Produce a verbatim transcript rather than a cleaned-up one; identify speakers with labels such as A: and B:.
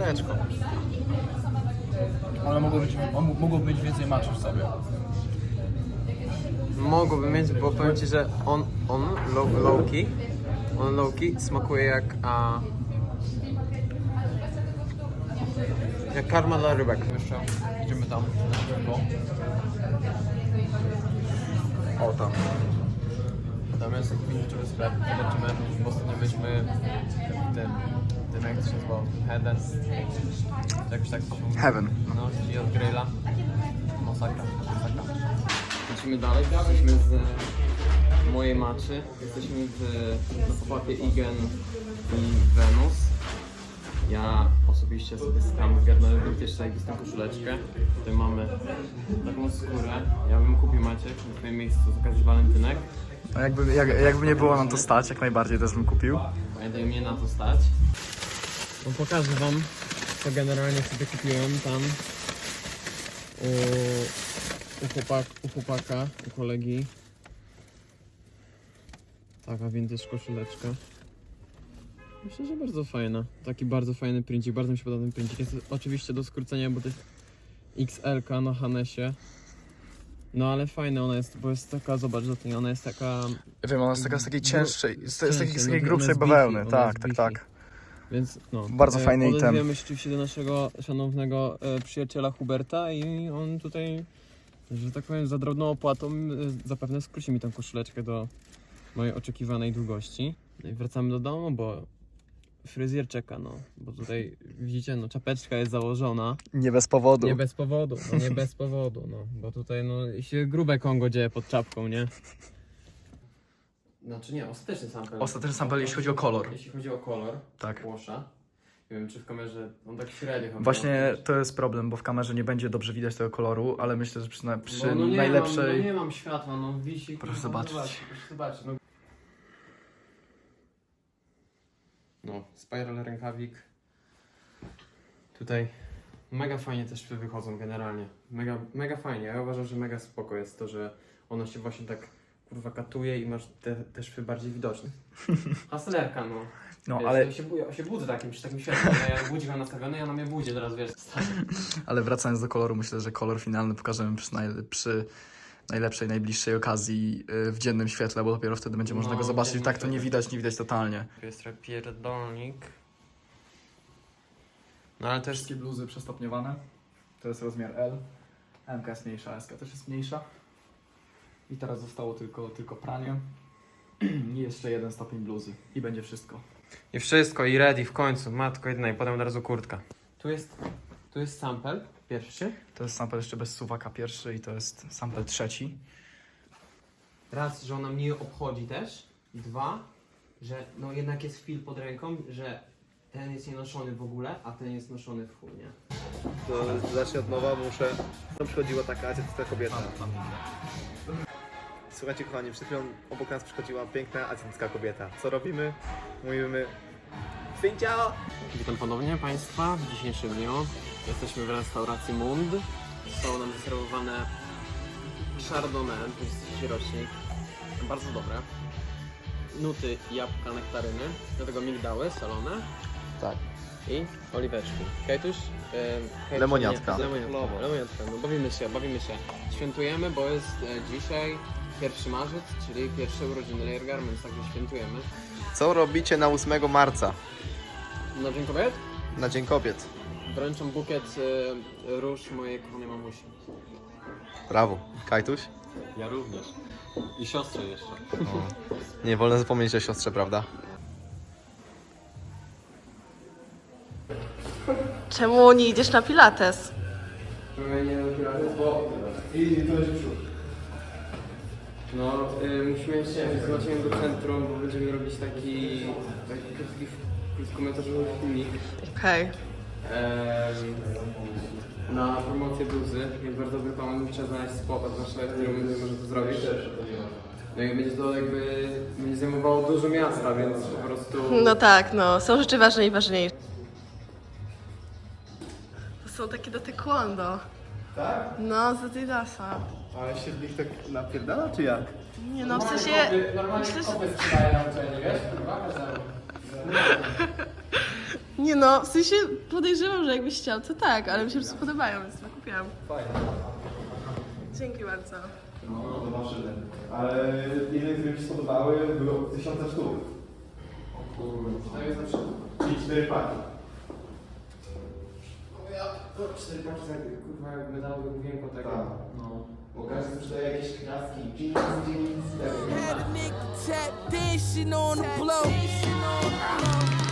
A: jajeczko.
B: Ale mogło być, mogło być więcej maczy w sobie.
A: Mogłoby mieć, bo powiem ci, że on, on low, low key, on low key smakuje jak a, jak karma dla rybek.
B: Jeszcze idziemy tam na szybko. O tam. Tam jest taki vintage'owy sklep. Zobaczymy, bo ostatnio byliśmy w tym, tym jak to się nazywało, Heaven. Jakoś tak to się
C: Heaven.
B: No, czyli od grilla. Masakra, masakra.
A: Lecimy dalej, jesteśmy z mojej maczy, jesteśmy w, na popapie Igen i Venus. Ja osobiście sobie sam zgarnąłem vintage zajebistą koszuleczkę. Tutaj mamy taką skórę. Ja bym kupił Maciek na twoim miejscu z okazji walentynek.
C: No jakby, jak, jakby nie było na to stać, jak najbardziej też bym kupił.
A: Pamiętaj, mnie na to stać. No pokażę wam, co generalnie sobie kupiłem tam u, u, chłopak, u chłopaka, u kolegi. Taka vintage koszuleczka. Myślę, że bardzo fajna. Taki bardzo fajny princik, bardzo mi się podoba ten princik. Jest oczywiście do skrócenia, bo to jest X L ka na Hanesie. No ale fajna ona jest, bo jest taka, zobacz do tej, ona jest taka...
C: Wiem, ona jest taka z takiej cięższej, z, z takiej, z
A: cięższej,
C: takiej
A: no,
C: grubszej
A: ona jest
C: bawełny,
A: beefy, ona
C: tak,
A: jest
C: tak,
A: beefy.
C: tak.
A: Więc no.
C: Bardzo fajny item.
A: Odezwiemy się oczywiście do naszego szanownego e, przyjaciela Huberta i on tutaj, że tak powiem, za drobną opłatą e, zapewne skróci mi tę koszuleczkę do mojej oczekiwanej długości. No i wracamy do domu, bo fryzjer czeka, no. Bo tutaj widzicie, no czapeczka jest założona.
C: Nie bez powodu.
A: Nie bez powodu, no nie bez powodu, no. Bo tutaj no się grube Kongo dzieje pod czapką, nie? Znaczy nie, ostateczny sample.
C: Ostateczny sample, jeśli chodzi o kolor.
A: Jeśli chodzi o kolor
C: Tak.
A: włosza. Nie wiem, czy w kamerze on tak średnio chyba.
C: Właśnie to jest problem, bo w kamerze nie będzie dobrze widać tego koloru, ale myślę, że przy, na- przy
A: no, no nie
C: najlepszej...
A: Mam, no nie mam światła, no wisi.
C: Proszę
A: kurwa,
C: zobaczyć.
A: zobacz, Proszę zobaczyć. No. no, spiral rękawik. Tutaj mega fajnie te szwy wychodzą generalnie. Mega, mega fajnie. Ja uważam, że mega spoko jest to, że ono się właśnie tak kurwa katuje i masz te, te szwy bardziej widoczne. Hustlerka, no.
C: No,
A: Wiesz,
C: ale,
A: ja się, bu- ja się budzę takim, przy takim światłem. Ja budzik mam nastawiony, ja na mnie budzie teraz, wiesz, stanie.
C: ale wracając do koloru, myślę, że kolor finalny pokażemy przy, naj, przy najlepszej, najbliższej okazji yy, w dziennym świetle, bo dopiero wtedy będzie można
A: No,
C: go
A: w
C: zobaczyć.
A: dziennym
C: Tak to nie
A: świetle.
C: widać, nie widać totalnie.
A: Tu jest trochę pierdolnik. No ale też...
C: Wszystkie bluzy przestopniowane. To jest rozmiar L. M ka jest mniejsza, S ka też jest mniejsza. I teraz zostało tylko, tylko pranie. I jeszcze jeden stopień bluzy. I będzie wszystko.
A: I wszystko, i ready w końcu, matko jedna i potem od razu kurtka. Tu jest, tu jest sample pierwszy.
C: To jest sample jeszcze bez suwaka pierwszy i to jest sample trzeci.
A: Raz, że ona mnie obchodzi też. Dwa, że no jednak jest feel pod ręką, że ten jest nienoszony w ogóle, a ten jest noszony w chuj, nie?
D: To zacznę od nowa, muszę... Tam przychodziła taka azjatycka kobieta. Słuchajcie kochani, przed chwilą obok nas przychodziła piękna azjatycka kobieta. Co robimy? Mówimy... Ciao!
A: Witam ponownie Państwa w dzisiejszym dniu. Jesteśmy w restauracji Mund. Są nam zaserwowane Chardonnay, to jest trzeci rocznik. Bardzo dobre. Nuty, jabłka, nektaryny. Do tego migdały solone.
C: Tak.
A: I oliweczki. Kajtuś? E,
D: Lemoniatka.
A: Nie, lemoniatka. Lemoniatka. No bawimy się, bawimy się. Świętujemy, bo jest e, dzisiaj pierwszy marzec, czyli pierwsze urodziny Layer Garments, także świętujemy.
D: Co robicie na ósmego marca?
A: Na Dzień Kobiet?
D: Na Dzień Kobiet.
A: Wręczam bukiet e, róż mojej kochanej mamusi.
D: Brawo. Kajtuś?
E: Ja również. I siostrze jeszcze.
D: Nie wolno zapomnieć o siostrze, prawda?
F: Czemu nie idziesz na pilates?
A: bo... No, y, musimy jeszcze zobaczyć do centrum, bo będziemy robić taki, taki krótki, krótkometrażowy filmik
F: Okej.
A: em, na promocję bluzy. Jest bardzo dobry pomysł, trzeba znaleźć spot nasze, który może to zrobić. No i będzie to jakby, będzie zajmowało dużo miasta, więc po prostu...
F: No tak, no. Są rzeczy ważne i ważniejsze. To są takie do taekwondo.
D: Tak?
F: No, z Adidasa.
D: Ale się w nich tak napierdala, czy jak?
F: Nie no, w sensie... Myślę, że...
A: sprzedaje na uczelni, wiesz?
F: Nie no, w sensie podejrzewam, że jakbyś chciał, to tak, ale mi się po prostu podobają, więc to kupiłam.
C: Fajnie.
F: Dzięki bardzo.
D: No, zobaczymy. Ale jedyne, które mi się spodobały, były od tysiąca sztuk. Czyli cztery paki.
B: cztery paczki, kurwa, jak medałowy główienko tego.
D: Tak.
B: No.
D: Bo każdy sprzedaje jakieś kraski.
G: Had a nigga tap dancing on the blow.